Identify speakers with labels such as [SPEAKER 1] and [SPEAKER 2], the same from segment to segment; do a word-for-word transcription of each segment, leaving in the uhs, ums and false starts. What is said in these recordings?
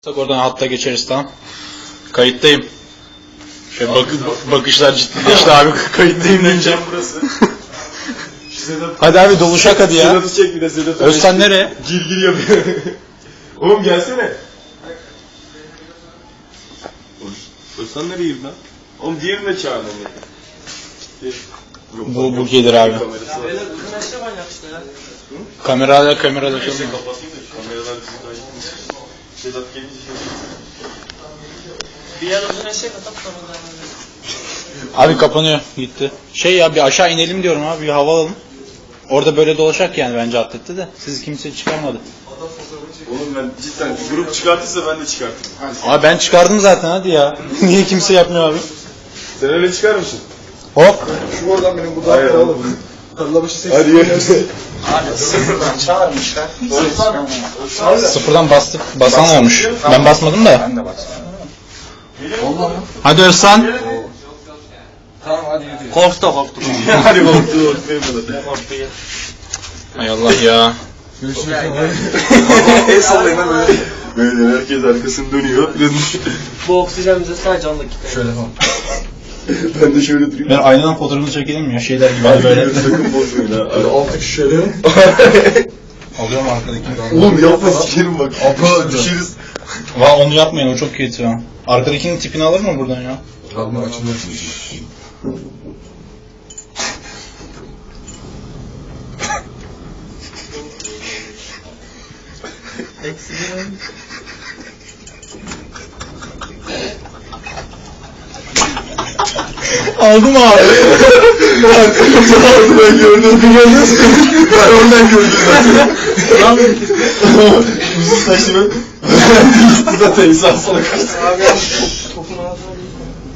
[SPEAKER 1] Oradan hatta geçeriz, tamam. Kayıttayım. Şöyle bak bakışlar ciddileşti abi. Kayıttayım deyince.
[SPEAKER 2] Burası.
[SPEAKER 1] Hadi abi doluşak hadi ya.
[SPEAKER 2] Sedat'ı çek bir de Sedat'ı.
[SPEAKER 1] Özkan nereye?
[SPEAKER 2] Gir gir yapıyor. Oğlum gelsene. Özkan nereye girdi lan? Oğlum diğerini de çağır onu.
[SPEAKER 1] Bu bu gelir abi. Kamerayla kamerayla
[SPEAKER 2] Neyse
[SPEAKER 1] çalıyor.
[SPEAKER 2] kapatayım da şu kameralar bizi kaydetmesin. Sedat gelince şey.
[SPEAKER 3] Bir yer uzun eşek atıp sonra devam edelim.
[SPEAKER 1] Abi kapanıyor, gitti. Şey ya, bir aşağı inelim diyorum abi, bir hava alalım. Orada böyle dolaşak yani, bence atletti de. Siz kimse çıkarmadı.
[SPEAKER 2] Oğlum ben cidden grup çıkartırsa ben de çıkartırım.
[SPEAKER 1] Abi ben çıkardım zaten, hadi ya. Niye kimse yapmıyor abi?
[SPEAKER 2] Sen öyle çıkar mısın?
[SPEAKER 1] Hop.
[SPEAKER 4] Şu oradan benim bu
[SPEAKER 2] Hayır
[SPEAKER 4] dağda
[SPEAKER 2] oğlum.
[SPEAKER 4] alalım. Kallabaşı seksen.
[SPEAKER 2] Hadi yürü.
[SPEAKER 4] Abi sıfırdan çağırmışlar.
[SPEAKER 1] Sıfırdan bastık, basan olmuş. Ben basmadım da.
[SPEAKER 4] Ben de baksana.
[SPEAKER 1] Hadi Özkan.
[SPEAKER 4] Tamam hadi yürü.
[SPEAKER 3] Korktu korktu.
[SPEAKER 2] Hadi korktu korktu.
[SPEAKER 3] Korktu ya.
[SPEAKER 1] Hay Allah ya.
[SPEAKER 4] Görüşürüz. El sallayın lan böyle.
[SPEAKER 2] Böyle herkes arkasını dönüyor.
[SPEAKER 3] Bu oksijen bize sadece on dakika.
[SPEAKER 4] Şöyle falan.
[SPEAKER 2] Ben de şöyle durayım.
[SPEAKER 1] Ben aynadan fotoğrafını çekelim mi ya, şeyler gibi
[SPEAKER 2] Hadi
[SPEAKER 1] böyle.
[SPEAKER 2] böyle sakın bozmayın ha.
[SPEAKER 4] Böyle altı kişi şöyle.
[SPEAKER 1] Alıyorum arkadaki.
[SPEAKER 2] Oğlum yapma sikerim bak. Abla düşeriz.
[SPEAKER 1] Va onu yapmayın, o çok kötü ya. Arkadakinin tipini alır mı buradan ya?
[SPEAKER 4] Kalma açılmasın.
[SPEAKER 3] Eksi bir.
[SPEAKER 1] Aldım abi.
[SPEAKER 2] Aldım ben gördüm. Gördünüz mü? Ben oradan gördüm zaten. Uzun saçlı ben. Gitti zaten insan sana kaçtı.
[SPEAKER 3] Abi topun ağzına değil.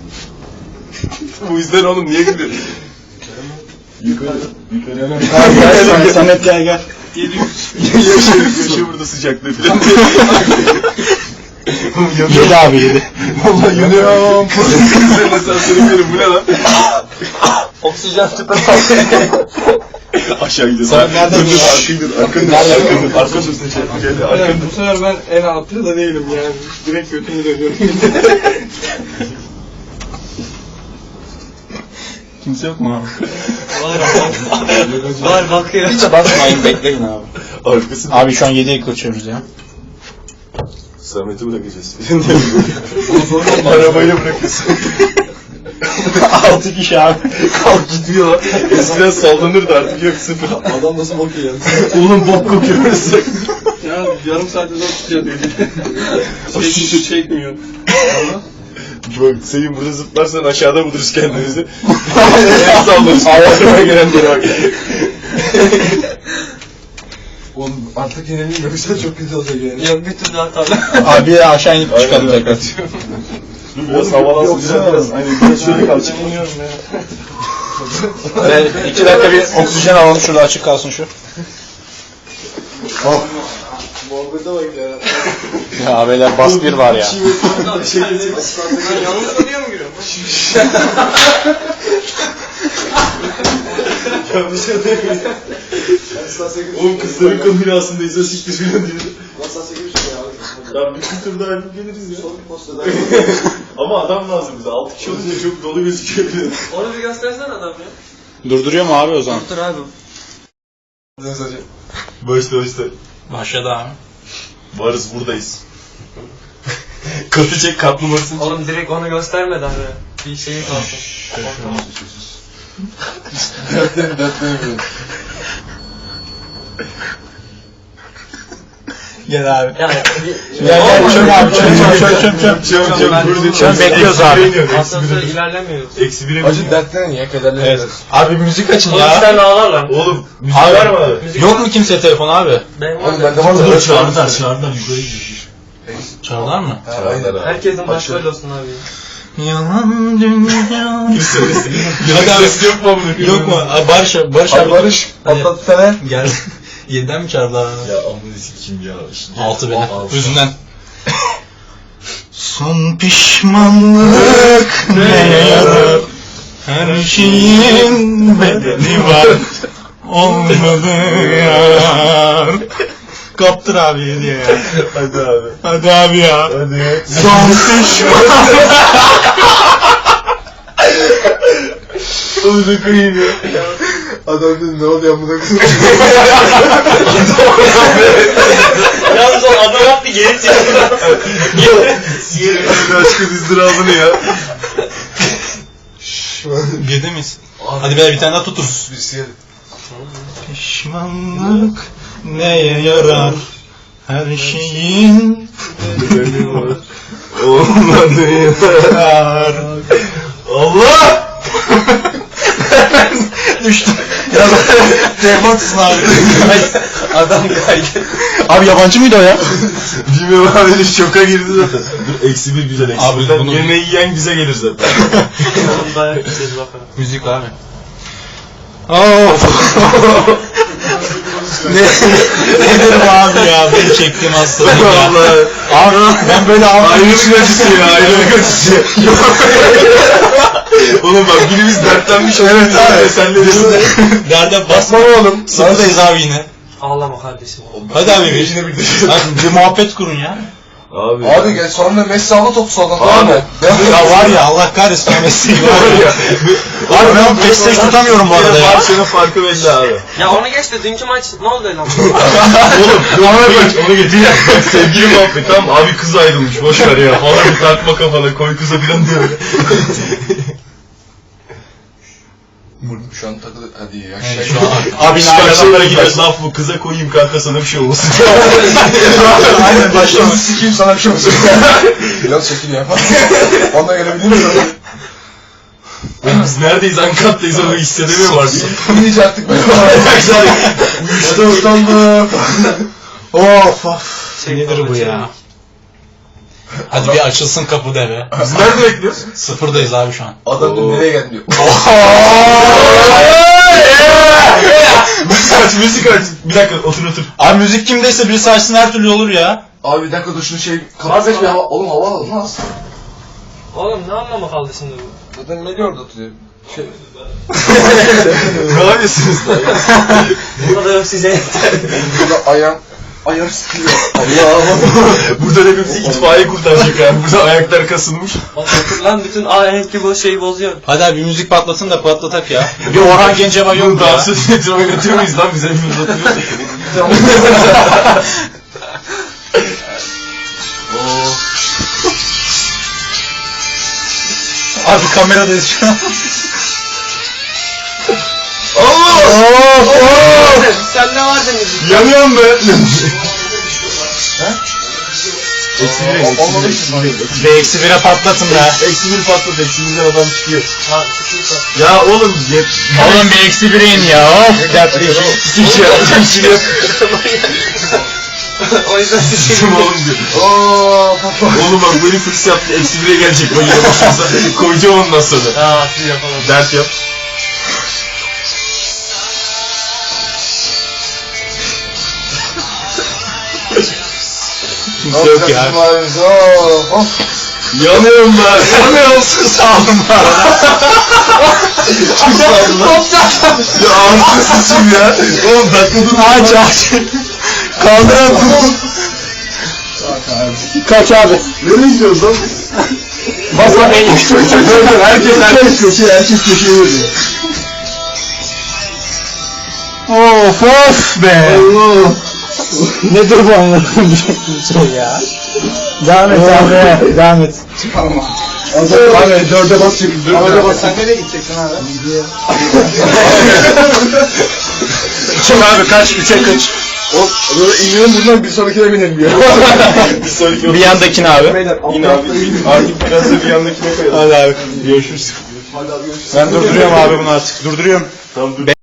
[SPEAKER 2] Bu yüzden oğlum niye gidiyor? Yukarı. Yukarı.
[SPEAKER 1] Abi gel sen, Samet gel gel.
[SPEAKER 2] Yaşa, yaşa burada sıcaklığı falan diye. Oğlum yanıyor.
[SPEAKER 1] Yedi abi yedi.
[SPEAKER 2] Vallahi yanıyorum. Senin asansörü bu ne lan?
[SPEAKER 3] Oksijen tüpe
[SPEAKER 2] Aşağı gidiyoruz.
[SPEAKER 1] Sen nereden
[SPEAKER 2] Dur, dur,
[SPEAKER 1] gidiyorsun?
[SPEAKER 2] Arkayı dur, arkayı dur, arkayı dur. Arkayı dur. Gel, arkayı dur.
[SPEAKER 4] Bu sefer ben en altta da değilim yani. Direkt götümü dönüyorum.
[SPEAKER 1] Kimse yok mu abi?
[SPEAKER 3] var ama. Var bakıyor.
[SPEAKER 1] Hiç basmayın, bekleyin abi.
[SPEAKER 2] Arkası.
[SPEAKER 1] Abi şu an yediye kaçıyoruz ya.
[SPEAKER 2] Samet'i bırakacağız. Arabayla bırakırsın.
[SPEAKER 1] Altı kişi abi.
[SPEAKER 2] Kalk gitmiyor lan. Eskiden sallanırdı artık yok sıfır.
[SPEAKER 4] Adam nasıl bok yiyor?
[SPEAKER 2] Oğlum bok kokuyor burası.
[SPEAKER 4] Ya yarım saatte zor tutuyor dedi. Çekmiyor, çekmiyor.
[SPEAKER 2] Bak senin burada zıplarsan aşağıda buluruz kendimizi. El sallarız. Ağzıma gelenlere bak.
[SPEAKER 4] Oğlum artık yenileyim yoksa çok kötü olacak yani.
[SPEAKER 3] Yok bir türlü hatalı.
[SPEAKER 1] Abi ya aşağı inip çıkalım tekrar.
[SPEAKER 2] Dur biraz havalansın güzel biraz. Hani biraz şöyle kalacak.
[SPEAKER 4] Bilmiyorum ya.
[SPEAKER 1] Evet, iki dakika bir oksijen alalım, şurada açık kalsın şu.
[SPEAKER 2] Oh.
[SPEAKER 4] Muhabbete bak ya.
[SPEAKER 1] Ya abiler bas bir var ya.
[SPEAKER 2] Şey getir.
[SPEAKER 3] Ben yanlış soruyor mu giriyorum?
[SPEAKER 2] Yanlış adayım. Oğlum kızların kombinasyondayız o siktir filan diyor.
[SPEAKER 4] Masası gibi şey ya.
[SPEAKER 2] Ya bir iki tur daha yapıp geliriz ya.
[SPEAKER 4] Son bir postada.
[SPEAKER 2] Ama adam lazım bize. Altı kişi olunca çok dolu gözüküyor.
[SPEAKER 3] Onu bir göstersene adam ya.
[SPEAKER 1] Durduruyor mu abi o zaman?
[SPEAKER 3] Dur abi.
[SPEAKER 2] Başla başla.
[SPEAKER 1] Başladı abi.
[SPEAKER 2] Varız buradayız. Katı çek katlamasın.
[SPEAKER 3] Oğlum direkt onu göstermeden de bir şeyi kalsın.
[SPEAKER 4] Dertlerim dertlerim.
[SPEAKER 1] Gel abi.
[SPEAKER 3] Yani
[SPEAKER 1] Gel gel çöm abi, çöm çöm çöm çöm.
[SPEAKER 2] Çöm çöm.
[SPEAKER 1] Çöm bekliyoruz abi.
[SPEAKER 3] asansör ilerlemiyoruz.
[SPEAKER 2] Eksi bire
[SPEAKER 4] Acı dertlerin ya kederlerin.
[SPEAKER 1] Evet. Abi müzik açın
[SPEAKER 3] Oğlum
[SPEAKER 1] ya.
[SPEAKER 3] sen ağlar lan.
[SPEAKER 2] Oğlum müzik
[SPEAKER 1] Abi,
[SPEAKER 2] var mı abi?
[SPEAKER 3] Müzik
[SPEAKER 1] yok mu kimse telefon abi?
[SPEAKER 3] Benim
[SPEAKER 4] Oğlum
[SPEAKER 3] var.
[SPEAKER 4] bende var da.
[SPEAKER 1] Çağırdılar, çağırdılar, yukarı gidiyor. Çağırdılar mı?
[SPEAKER 4] Aynen.
[SPEAKER 3] Herkesin başı böyle olsun abi.
[SPEAKER 1] Yalan dünya.
[SPEAKER 2] Hadi abi yok mu bunu?
[SPEAKER 1] Yok mu? Abi Barış, Barış
[SPEAKER 4] Abi
[SPEAKER 1] abi.
[SPEAKER 4] Barış
[SPEAKER 1] Hadi.
[SPEAKER 4] patlat sene.
[SPEAKER 1] Gel. Yediden mi çağırdılar?
[SPEAKER 2] Ya amına sikeyim ya.
[SPEAKER 1] Altı beni. Yüzünden. Son pişmanlık ne yarar? Her şeyin bedeli var. Olmadı yar. Kaptır abi hediye ya.
[SPEAKER 2] Hadi abi.
[SPEAKER 1] Hadi abi ya.
[SPEAKER 2] Hadi.
[SPEAKER 1] Son düşman.
[SPEAKER 2] Onu da koyayım ya. Adam dedi ne oluyor amına koyayım.
[SPEAKER 3] Yalnız o adam yaptı geri çekti.
[SPEAKER 2] Aşkın ızdırabını ya.
[SPEAKER 1] Girdi miyiz? Hadi beyler bir tane daha tutun.
[SPEAKER 2] Bir siyelim.
[SPEAKER 1] Pişmanlık neye yarar? Her şeyin
[SPEAKER 2] Olmadı
[SPEAKER 1] yarar.
[SPEAKER 2] Allah!
[SPEAKER 1] Düştüm. Ya Ceymansın abi.
[SPEAKER 3] Adam kaydı.
[SPEAKER 1] Abi yabancı mıydı o ya?
[SPEAKER 2] Bilmiyorum abi şoka girdi zaten. Dur eksi bir güzel eksi.
[SPEAKER 1] Abi
[SPEAKER 2] Buradan
[SPEAKER 1] bunu-
[SPEAKER 2] yemeği yiyen bize gelir zaten.
[SPEAKER 3] Dayak yiyeceğiz bakalım.
[SPEAKER 1] Müzik abi. Of. ne, ne derim abi ya, ben çektim hastalık ya.
[SPEAKER 2] Vallahi.
[SPEAKER 1] Abi ben böyle ağzım.
[SPEAKER 2] Ayrılık acısı ya, ayrılık acısı. Oğlum bak birimiz dertlenmiş. Evet abi sen de
[SPEAKER 1] Derde basma oğlum. Sıfırdayız abi yine.
[SPEAKER 3] Ağlama kardeşim.
[SPEAKER 1] Hadi abi bir,
[SPEAKER 2] Yine bir
[SPEAKER 1] hadi bir muhabbet kurun ya.
[SPEAKER 2] Abi.
[SPEAKER 5] Abi gel sonra Messi aldı topu soldan tamam
[SPEAKER 2] Abi.
[SPEAKER 5] mı?
[SPEAKER 1] Ya var ya Allah kahretsin o mesleği var ya. Abi ben PlayStation tutamıyorum bu arada ya.
[SPEAKER 2] Barcelona farkı belli abi.
[SPEAKER 3] Ya onu geç de dünkü maç ne oldu lan?
[SPEAKER 2] Oğlum onu geç, onu geç. Sevgili muhabbet tamam abi kız ayrılmış boş ver ya falan bir takma kafana koy kıza filan diyor.
[SPEAKER 5] Şu an takılı hadi ya.
[SPEAKER 1] Evet,
[SPEAKER 5] Şey.
[SPEAKER 1] şu an abi
[SPEAKER 2] Abi adamlara gidiyoruz laf bu kıza koyayım kanka sana bir şey olsun.
[SPEAKER 5] Aynen başlamış. Sikiyim sana bir şey olsun. Biraz çekil ya. Ondan gelebilir misin?
[SPEAKER 2] Biz neredeyiz Ankat'tayız onu hissedemiyorum artık.
[SPEAKER 5] İyice artık böyle.
[SPEAKER 2] Uyuştu utandı.
[SPEAKER 1] of of. Nedir bu ya? Hadi bir açılsın kapı deve.
[SPEAKER 2] Biz nerede bekliyoruz?
[SPEAKER 1] Sıfırdayız abi şu an.
[SPEAKER 5] Adam diyor nereye geldin diyor.
[SPEAKER 2] Müzik aç müzik aç. Bir dakika otur otur.
[SPEAKER 1] Abi müzik kimdeyse birisi açsın her türlü olur ya.
[SPEAKER 5] Abi bir dakika dur şunu şey kapat bir hava. Oğlum hava alalım lan aslında.
[SPEAKER 3] Oğlum ne anlamı kaldı şimdi bu?
[SPEAKER 5] Zaten Melih orada oturuyor. Şey.
[SPEAKER 2] Ne yapıyorsunuz lan?
[SPEAKER 3] Burada da yok size yeter.
[SPEAKER 5] Burada ayağım. Ayar sıkıyor.
[SPEAKER 2] Burada hepimizi itfaiye kurtaracak yani. Burada ayaklar kasılmış.
[SPEAKER 3] Lan bütün ahenk bu şeyi bozuyor.
[SPEAKER 1] Hadi abi bir müzik patlatın da patlatak ya. Bir Orhan Gencebay yok mu ya?
[SPEAKER 2] Dansöz metroya götürüyor muyuz lan? Bize hepimiz oturuyoruz.
[SPEAKER 1] Abi kameradayız şu an.
[SPEAKER 2] Allah!
[SPEAKER 3] Sen ne var deniz?
[SPEAKER 2] Yanıyorum be! Eksi bir, eksi
[SPEAKER 5] Olmadı
[SPEAKER 2] bir,
[SPEAKER 5] ki.
[SPEAKER 2] eksi bir.
[SPEAKER 1] Ve eksi bire patlatın be.
[SPEAKER 2] Eksi bir patladı, eksi birden adam çıkıyor.
[SPEAKER 3] Ha sıkıysa.
[SPEAKER 2] Ya oğlum, yet...
[SPEAKER 1] Oğlum bir eksi bire in ya. Of dertli işi.
[SPEAKER 2] Hiç ya, hiç yok.
[SPEAKER 3] O yüzden sıkıyım.
[SPEAKER 2] Kim oğlum diyor.
[SPEAKER 5] Ooo papa.
[SPEAKER 2] Oğlum bak böyle fırs yaptı, eksi bire gelecek. Ben yine başımıza koyacağım ondan sonra.
[SPEAKER 3] Ha siz yapalım.
[SPEAKER 2] Dert yap.
[SPEAKER 1] Kimse yok ya.
[SPEAKER 5] Of.
[SPEAKER 2] Yanıyorum ben.
[SPEAKER 1] Yanıyorum sus aldım bu arada.
[SPEAKER 2] Kim sağdı lan? Ya ağzını sıçayım ya. Oğlum dakika dur.
[SPEAKER 1] Aç aç. Kaldıran tut. Kaç abi.
[SPEAKER 2] Nereye gidiyoruz lan?
[SPEAKER 1] Bas lan en güçlü.
[SPEAKER 2] Herkes herkes köşeye, herkes köşeye veriyor.
[SPEAKER 1] Of of be.
[SPEAKER 2] Allah.
[SPEAKER 1] Nedir bu anladığım bir şey ya? Devam et abi. Devam et.
[SPEAKER 5] Abi dörde bas çekil. Dörde bas.
[SPEAKER 1] Sen nereye gideceksin abi? Çık abi kaç? Üçe kaç?
[SPEAKER 5] O böyle inelim buradan bir sonrakine binelim ya.
[SPEAKER 2] Bir sonraki
[SPEAKER 1] Bir yandakini abi.
[SPEAKER 2] İn abi. Artık biraz da bir yandakine koyalım.
[SPEAKER 1] Hadi abi. Görüşürüz.
[SPEAKER 5] Hadi abi görüşürüz.
[SPEAKER 1] Ben durduruyorum abi bunu artık. Durduruyorum.
[SPEAKER 2] Tamam dur.